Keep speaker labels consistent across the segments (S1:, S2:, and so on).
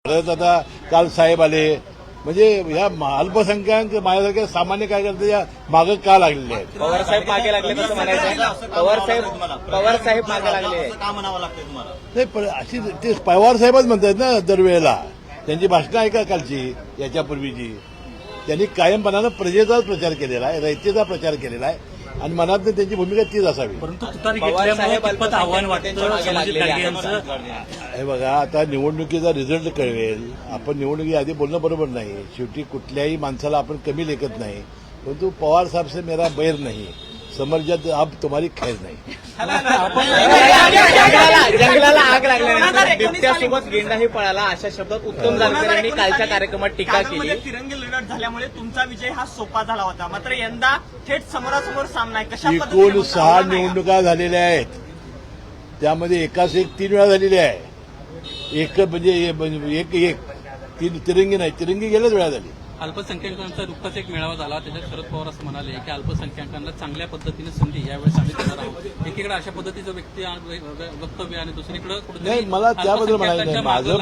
S1: परत आता काल साहेब आले, म्हणजे या अल्पसंख्याक माझ्यासारख्या सामान्य कार्यकर्त्याच्या मागं का लागलेले आहेत?
S2: पवार साहेब मागे लागले कसं म्हणायचं? पवार साहेब मागे लागले का म्हणावं लागतंय तुम्हाला?
S1: नाही, पण अशी ते पवार साहेबच म्हणतात ना दरवेळेला. त्यांची भाषणं ऐका कालची, याच्यापूर्वीची. त्यांनी कायमपणानं प्रजेचाच प्रचार केलेला आहे, रयतेचा प्रचार केलेला आहे आणि मनात त्यांची भूमिका तीच असावी.
S3: परंतु तुतारी घेतल्यामुळे कितपत आव्हान वाटतं संभाजी गाडगे यांचं?
S1: हे बघा, आता निवडणुकीचा रिझल्ट कळवेल. आपण निवडणुकीआधी बोलणं बरोबर नाही. शेवटी कुठल्याही माणसाला आपण कमी लेखत नाही. परंतु पवार साहेब से मेरा बैर नाही, समर्जात अब तुम्हारी खैर नाही.
S2: जंगलाला आग लागल्यानंतर बिबट्यासोबत गेंडाही पळाला, अशा शब्दात उत्तम जानकर यांनी कालच्या कार्यक्रमात टीका केली.
S4: तिरंगी लढत झाल्यामुळे तुमचा विजय हा सोपा झाला होता, मात्र यंदा थेट समोरासमोर सामना आहे. कशा
S1: एकूण 6 निवडणुका झालेल्या आहेत, त्यामध्ये एकाच एक 3 वेळा झालेली आहे. एक म्हणजे एक तिरंगी नाही, तिरंगी गेल्याच वेळा झाली.
S3: अल्पसंख्याकांचा नुकताच एक मेळावा झाला, त्याच्यात शरद पवार असं म्हणाले की अल्पसंख्याकांना चांगल्या पद्धतीने संधी यावेळेस आम्ही देणार आहोत. एकीकडे अशा पद्धतीचं वक्तव्य आणि दुसरीकडे
S1: नाही, मला त्याबद्दल म्हणायचं नाही. माझं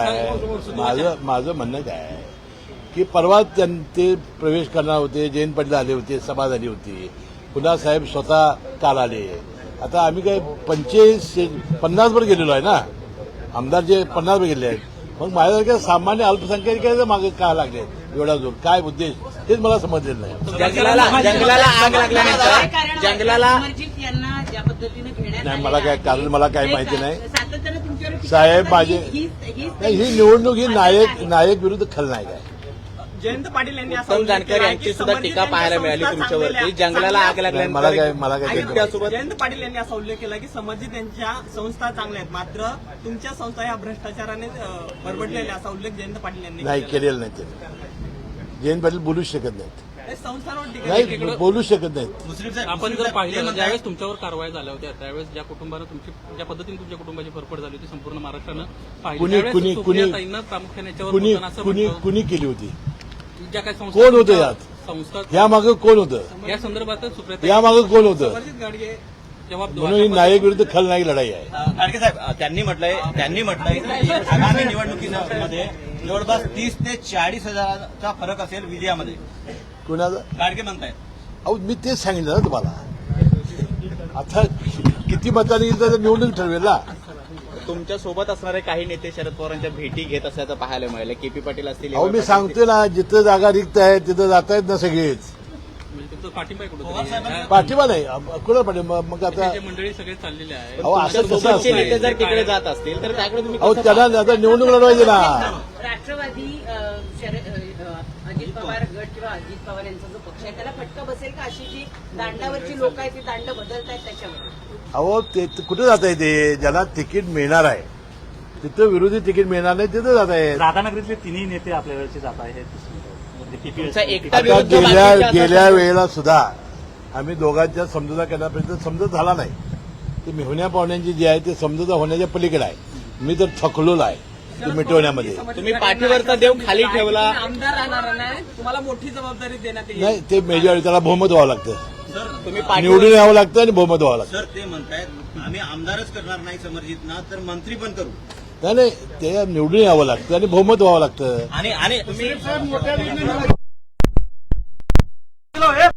S1: म्हणणं काय आहे की परवा ते प्रवेश करणार होते, जयंत पाटील आले होते, सभा झाली होती, पुन्हा साहेब स्वतः काल आले. आता आम्ही काय 50 वर गेलेलो आहे ना, आमदार जे 50 वर गेले आहेत. मग माझ्यासारख्या सामान्य अल्पसंख्याकांच्या मागे का लागले एवढा जोर? काय उद्देश तेच मला समजलेलं नाही.
S2: जंगलाला आग लागल्यानंतर जंगलाला
S1: नाही, मला काय कारण मला काही माहिती नाही. साहेब माझे नाही, ही निवडणूक ही नायक विरुद्ध खलनायक आहे.
S4: जयंत पाटील यांनी
S2: उत्तम जानकर यांची सुद्धा टीका पाहायला मिळाली तुमच्यावरती. जंगलाला आग
S1: मला काय
S4: जयंत पाटील यांनी असा उल्लेख केला की संबंधित त्यांच्या संस्था चांगल्या आहेत, मात्र तुमच्या संस्था ह्या भ्रष्टाचाराने बरबडलेल्या, असा उल्लेख जयंत पाटील यांनी
S1: नाही केलेला नाही. ते जयंत पाटील बोलूच शकत नाहीत.
S4: संस्थांवर टीका
S1: नाही, बोलू शकत नाहीत.
S3: आपण जर पाहिलं ज्यावेळेस तुमच्यावर कारवाई झाल्या होत्या त्यावेळेस ज्या कुटुंबानं ज्या पद्धतीने तुमच्या कुटुंबाची फरफड झाली होती संपूर्ण महाराष्ट्रानं पाहिली, प्रामुख्याने याच्यावर
S1: कुणी केली होती?
S3: ज्या काही
S1: कोण होतं यात?
S3: संस्था
S1: या मागं कोण होतं?
S3: या संदर्भात सुप्रिया
S1: या मागं कोण होतं?
S4: गाडगे
S3: जबाब
S1: म्हणून ही नायक विरुद्ध खलनायक लढाई आहे.
S2: गाडगे साहेब त्यांनी म्हटलंय की आगामी निवडणुकीमध्ये जवळपास 30 ते 40 हजाराचा फरक असेल विजयामध्ये.
S1: कुणाचा?
S2: गाडगे म्हणतायत.
S1: अहो, मी तेच सांगितलं ना तुम्हाला. आता किती मतांनी येईल तर निवडणूक ठरवेल ना.
S2: तुमच्या सोबत असणारे काही नेते शरद पवारांच्या भेटी घेत असल्याचं पाहायला मिळालं. केपी पाटील असतील.
S1: अहो, मी सांगतोय ना, जिथं जागा रिक्त आहे तिथं जात आहेत ना सगळेच.
S3: तुमचा पाठिंबा आहे कुठं?
S1: पाठिंबा नाही, कुणाला पाठिंबा? मग आता
S3: मंडळी सगळे चाललेले आहे.
S1: अहो, असं कसं
S2: सोबतचे नेते
S1: असतं?
S2: जर तिकडे जात असतील तर त्याकडे तुम्ही
S1: अहो,
S2: कसं
S1: त्यांना आता निवडणूक लढवायची ना.
S5: राष्ट्रवादी अजित पवार गट किंवा अजित पवार यांचा जो पक्ष आहे त्याला फटका बसेल का? अशी जी दांडावरची लोक आहेत ती दांड बदलतायत त्याच्यावर.
S1: अहो, ते कुठे जात आहे? ते ज्याला तिकीट मिळणार आहे तिथं विरोधी तिकीट मिळणार नाही तिथं जात आहे.
S6: राधानगरीतले तिन्ही नेते आपल्या वेळेचे जात आहेत.
S2: तुमचा एकटा
S1: आता
S2: विरुद्ध
S1: गेल्या
S2: बाकीच्या
S1: वेळेला सुद्धा आम्ही दोघांच्या समजुता करण्यापर्यंत समजत झाला नाही. ते मेहुण्या पाहुण्यांची जी आहे ते समजुता होण्याच्या पलीकडे आहे. मी तर थकलोला आहे ते मिटवण्यामध्ये.
S2: तुम्ही पाठीवरचा देव खाली ठेवला.
S4: आमदार राहणार नाही, तुम्हाला मोठी जबाबदारी देण्यात येईल.
S1: नाही, ते मेजॉरिटी त्याला बहुमत व्हावं लागतं,
S2: तुम्ही
S1: निवडून यावं लागतं आणि बहुमत व्हावं लागतं.
S7: सर ते म्हणतायत आम्ही आमदारच करणार नाही समर्जितना तर मंत्री पण करू.
S1: नाही, ते निवडून यावं लागतं आणि बहुमत व्हावं लागतं.
S2: आणि तुम्ही